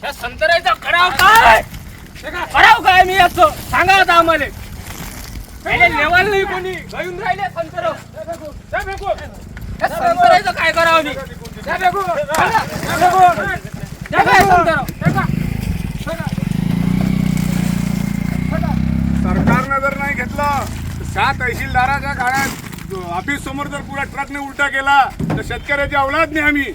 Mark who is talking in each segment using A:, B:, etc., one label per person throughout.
A: त्या संत्र्याचा कराव काय मी याचं सांगा आता आम्हाला. लेवल नाही कोणी घेऊन राहिले संतर. संत्र्याचं काय करावं मी?
B: सरकारनं जर नाही घेतलं, 6 तहसीलदाराच्या काळात ऑफिस समोर जर पुरा ट्रकने उलटा केला तर शेतकऱ्याची औलाद नाही आम्ही.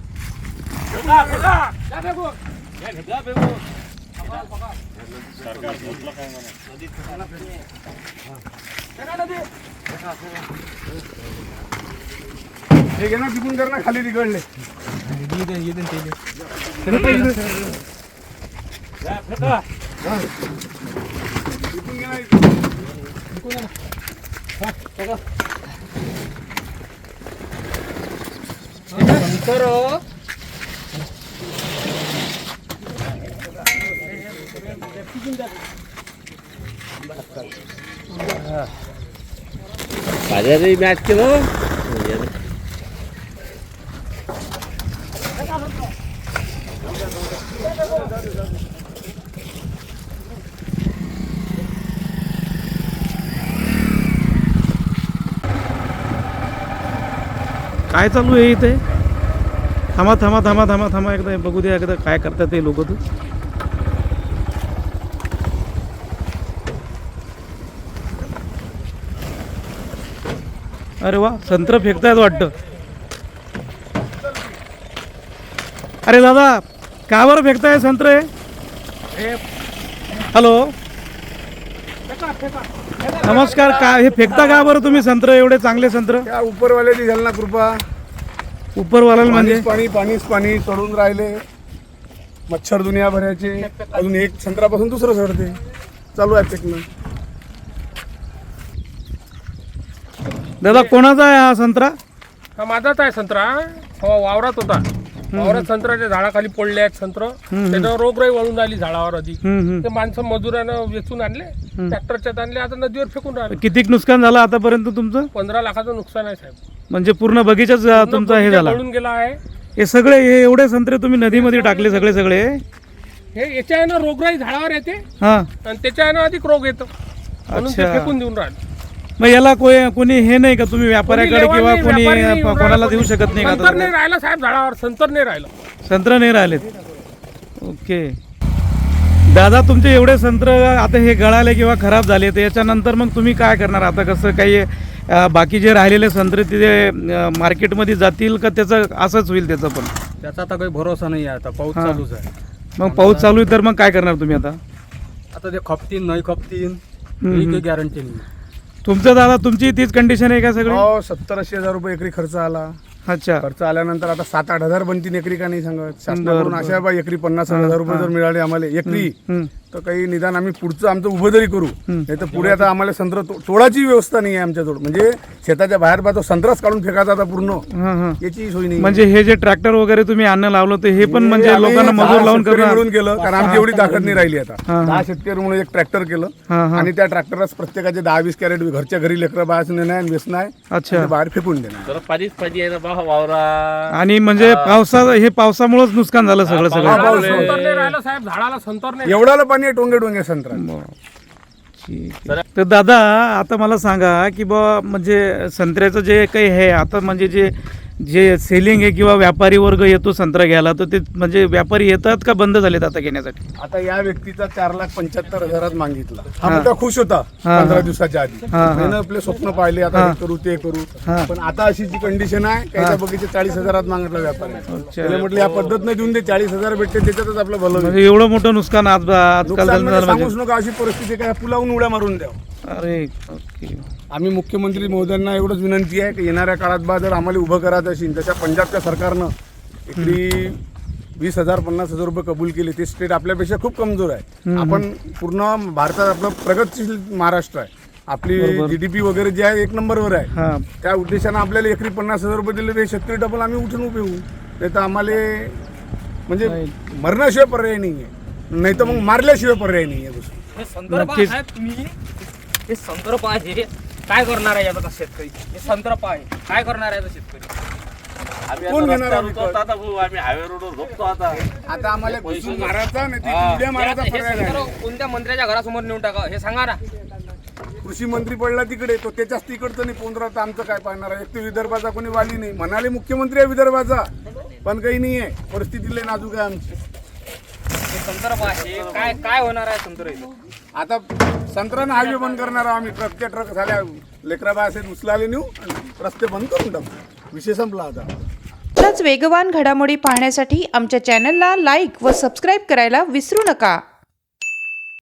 B: हे घे ना तिकून कर ना खाली तिकडले. तिकून घे ना इकडून.
A: बाजारी मॅच केलं.
C: काय चालू आहे इथे? थांबा थांबा थांबा थांबा थांबा एकदा बघू द्या एकदा काय करतात ते लोक. तू अरे वा, संत्र फेकतायत वाटतं. अरे दादा, का बरं फेकताय संत्रे? हॅलो, नमस्कार. का हे फेकता का बरं तुम्ही संत्र, एवढे चांगले संत्र?
B: त्या उपरवाल्याची झाली ना कृपा.
C: उपरवाल्याला म्हणजे
B: पाणीच पाणी चढून राहिले. मच्छर दुनिया भरायचे. अजून एक संत्रापासून दुसरं चढते. चालू आहे फेकणं.
C: दादा, कोणाचा आहे हा संत्रा?
A: हा माझाच आहे संत्रा. हो, वावरात होता. वावरात संत्र्याच्या झाडाखाली पडले आहेत संत्र. त्याच्यावर रोगराई वळून राहिली झाडावर आधी. ते माणसं मजुरानं वेचून आणले, ट्रॅक्टरच्यात आणले, आता नदीवर फेकून राहिले.
C: किती नुकसान झालं आतापर्यंत तुमचं?
A: 15 लाखाचं नुकसान आहे साहेब.
C: म्हणजे पूर्ण बगीचाच तुमचा हे झाला?
A: पळून गेला आहे.
C: हे सगळे हे एवढे संत्रे तुम्ही नदीमध्ये टाकले सगळे?
A: हे याच्या आहे ना रोगराई झाडावर येते
C: हा,
A: आणि त्याच्या आहे ना अधिक रोग येतो, म्हणून ते
C: अच्छा.
A: फेकून देऊन राहिले.
C: मग याला कोणी हे नाही का, तुम्ही व्यापाऱ्याकडे किंवा कोणी कोणाला देऊ शकत नाही का?
A: संतर नाही राहिला साहेब झाडावर, संतर नाही राहिलं.
C: संत्र नाही राहिलेत. ओके दादा, तुमचे एवढे संत्र आता हे गळाले किंवा खराब झाले, तर याच्यानंतर मग तुम्ही काय करणार आता? कसं काही बाकी जे राहिलेले संत्रे तिथे मार्केटमध्ये जातील का त्याचं असंच होईल? त्याचं पण
D: त्याचा आता काही भरोसा नाही आहे. आता पाऊस चालूच आहे.
C: मग पाऊस चालू आहे तर मग काय करणार तुम्ही आता?
D: आता ते खपतीन नाही खपतीन ही काही गॅरंटी नाही.
C: तुमचं दादा, तुमची तीच कंडिशन आहे का सगळी?
B: हो, 70-80 हजार रुपये एकरी खर्च आला.
C: अच्छा.
B: खर्च आल्यानंतर आता 7-8 हजार बनतील एकरी का नाही सांगत. शासनाकडून अशा बा एकरी 50,000 रुपये जर मिळाले आम्हाला एकरी, तर काही निदान आम्ही पुढचं आमचं उभं तरी करू. नाही तर पुढे आता आम्हाला संत्र तोडाची व्यवस्था नाही आहे आमच्याजवळ. म्हणजे शेताच्या बाहेर बा तो संत्राच काढून फेकायचा आता पूर्ण, याची सोय नाही.
C: म्हणजे हे जे ट्रॅक्टर वगैरे तुम्ही आणणं लावलं तर हे पण म्हणजे लोकांना मजूर लावून
B: मिळून केलं, कारण आमची एवढी ताकद नाही राहिली. आता 10 शेतकरी म्हणून एक ट्रॅक्टर केलं आणि त्या ट्रॅक्टरलाच प्रत्येकाचे 10-20 कॅरेट घरच्या घरी लेकरं बाहेर नेणार आणि वेचणं आहे.
C: अच्छा.
B: बाहेर फेकून देणार.
A: पाणीच पाणी आहे ना वावरा.
C: आणि म्हणजे पावसामुळेच नुकसान झालं सगळं.
A: संतर नाही राहिलं साहेब झाडाला, संतर नाही.
B: एवढाला पाणी आहे टोंगे संत्रा.
C: तर दादा, आता मला सांगा की बा म्हणजे संत्र्याचं जे काही आहे आता, म्हणजे जे सेलिंग आहे किंवा व्यापारी वर्ग येतो संत्रा घ्यायला, तर ते म्हणजे व्यापारी येतात का बंद झालेत आता घेण्यासाठी?
B: आता या व्यक्तीचा 4,75,000 मागितला. हा मुद्दा खुश होता 15 दिवसाच्या आधी. त्यानं आपले स्वप्न पाहिले, आता हे करू ते करू. पण आता अशी जी कंडिशन आहे, त्याच्या बगीचे 40,000 मागितला व्यापारी. त्याला म्हटलं या पद्धत नाही देऊन दे, 40,000 भेटते त्याच्यातच आपलं भलं.
C: म्हणजे एवढं मोठं नुकसान आजकाल
B: सांगूच नका. अशी परिस्थिती काय पुलावून उड्या मारून द्या.
C: अरे ओके.
B: आम्ही मुख्यमंत्री महोदयांना एवढंच विनंती आहे की येणाऱ्या काळात बा जर आम्हाला उभं करायचं असेल, तशा पंजाबच्या सरकारनं एकरी 20,000 50,000 रुपये कबूल केले. ते स्टेट आपल्यापेक्षा खूप कमजोर आहे. आपण पूर्ण भारतात आपलं प्रगतशील महाराष्ट्र आहे. आपली GDP वगैरे जे आहे 1 नंबरवर आहे. त्या उद्देशानं आपल्याला एकरी 50,000 रुपये दिले तर शेतकरी डबल आम्ही उठून उभे होऊ. नाही तर आम्हाला म्हणजे मरण्याशिवाय पर्याय नाही आहे, नाही तर मग मारल्याशिवाय पर्याय नाही आहे.
A: हे संदर्भ आहे तुम्ही, हे संदर्भ आहे. काय करणार आहे आता शेतकरी? हे संदर्भ आहे, काय करणार आहे आता शेतकरी?
B: कोण घेणार आहे विकत?
E: आम्ही हायवे रोडवर झोपतो आता.
B: आता आम्हाला घुसून मारायचा नाही तर उड्या मारायचा पर्याय नाही.
F: कोणत्या मंत्र्याच्या घरासमोर नेऊन टाका हे सांगा ना.
B: कृषी मंत्री पडला तिकडे, तो त्याच्याच तिकडचं नाही पोंद्रा, तर आमचं काय पाहणार आहे? एक तर विदर्भाचा कोणी वाली नाही, म्हणाले मुख्यमंत्री आहे विदर्भाचा, पण काही नाही आहे, परिस्थिती लय नाजूक आहे आमची.
F: संदर्भ आहे काय काय होणार आहे संदर्भ इथं?
B: आता संत्र्यानं हायवे बंद करणार आहोत आम्ही. ट्रकच्या ट्रक झाल्या, लेकराबा असे उचलाले नेऊ आणि रस्ते बंद करून टाकू. विषय संपला आता.
G: अशाच वेगवान घडामोडी पाहण्यासाठी आमच्या चॅनलला लाईक व सबस्क्राईब करायला विसरू नका.